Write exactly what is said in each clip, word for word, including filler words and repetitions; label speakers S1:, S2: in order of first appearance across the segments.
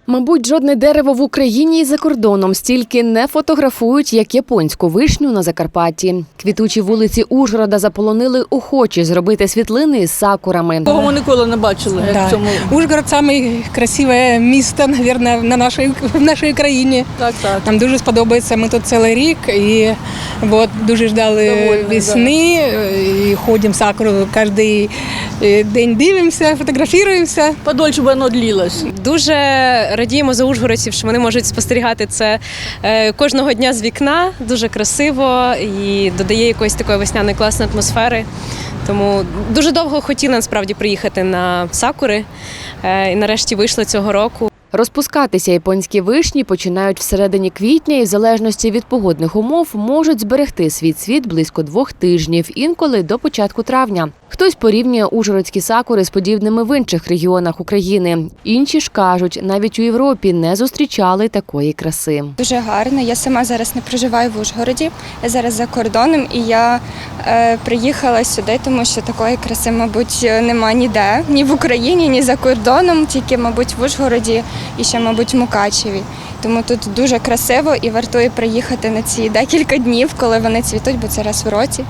S1: Мабуть, жодне дерево в Україні і за кордоном стільки не фотографують, як японську вишню на Закарпатті. Квітучі вулиці Ужгорода заполонили охочі зробити світлини із сакурами.
S2: Кого ми ніколи не бачили, як
S3: Да.
S2: в цьому.
S3: Ужгород – найкрасивіше місто, мабуть, на нашій, в нашій країні.
S2: Так, так.
S3: Нам дуже сподобається, ми тут цілий рік і от, дуже ждали
S2: Довольні,
S3: весни, і ходимо сакуру кожен день, дивимося, фотографуємося.
S2: Подольше б воно длилось.
S4: Дуже радіємо за ужгородців, що вони можуть спостерігати це е, кожного дня з вікна. Дуже красиво і додає якоїсь такої весняної класної атмосфери. Тому дуже довго хотіли насправді приїхати на сакури е, і нарешті вийшли цього року.
S1: Розпускатися японські вишні починають всередині квітня і в залежності від погодних умов можуть зберегти свій цвіт близько двох тижнів, інколи до початку травня. Хтось порівнює ужгородські сакури з подібними в інших регіонах України. Інші ж кажуть, навіть у Європі не зустрічали такої краси.
S5: Дуже гарно. Я сама зараз не проживаю в Ужгороді, я зараз за кордоном, і я е, приїхала сюди, тому що такої краси, мабуть, нема ніде, ні в Україні, ні за кордоном, тільки, мабуть, в Ужгороді і ще, мабуть, в Мукачеві. Тому тут дуже красиво і вартує приїхати на ці декілька днів, коли вони цвітуть, бо це раз в році.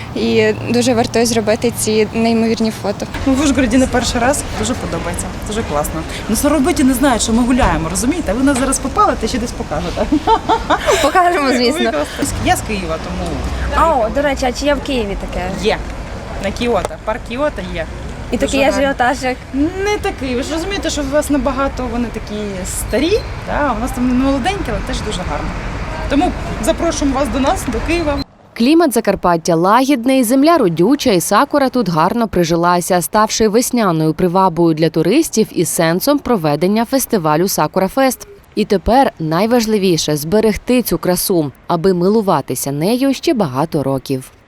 S5: І дуже вартує зробити ці неймовірні фото.
S6: Ми в Ужгороді не перший раз, дуже подобається, дуже класно. Ну, соробиті не знають, що ми гуляємо, розумієте? Ви нас зараз попалите, ще десь покажете.
S7: Покажемо, звісно.
S6: Я з Києва, тому
S7: А, о, до речі, а чи є в Києві таке?
S6: є. На Кіото, парк Кіото є.
S7: І такий
S6: Дуже гарно.
S7: ажіотаж, як
S6: Не такий. Ви ж розумієте, що у вас набагато вони такі старі, а у нас там молоденькі, але теж дуже гарно. Тому запрошуємо вас до нас, до Києва.
S1: Клімат Закарпаття лагідний, земля родюча і сакура тут гарно прижилася, ставши весняною привабою для туристів і сенсом проведення фестивалю «Сакура-фест». І тепер найважливіше – зберегти цю красу, аби милуватися нею ще багато років.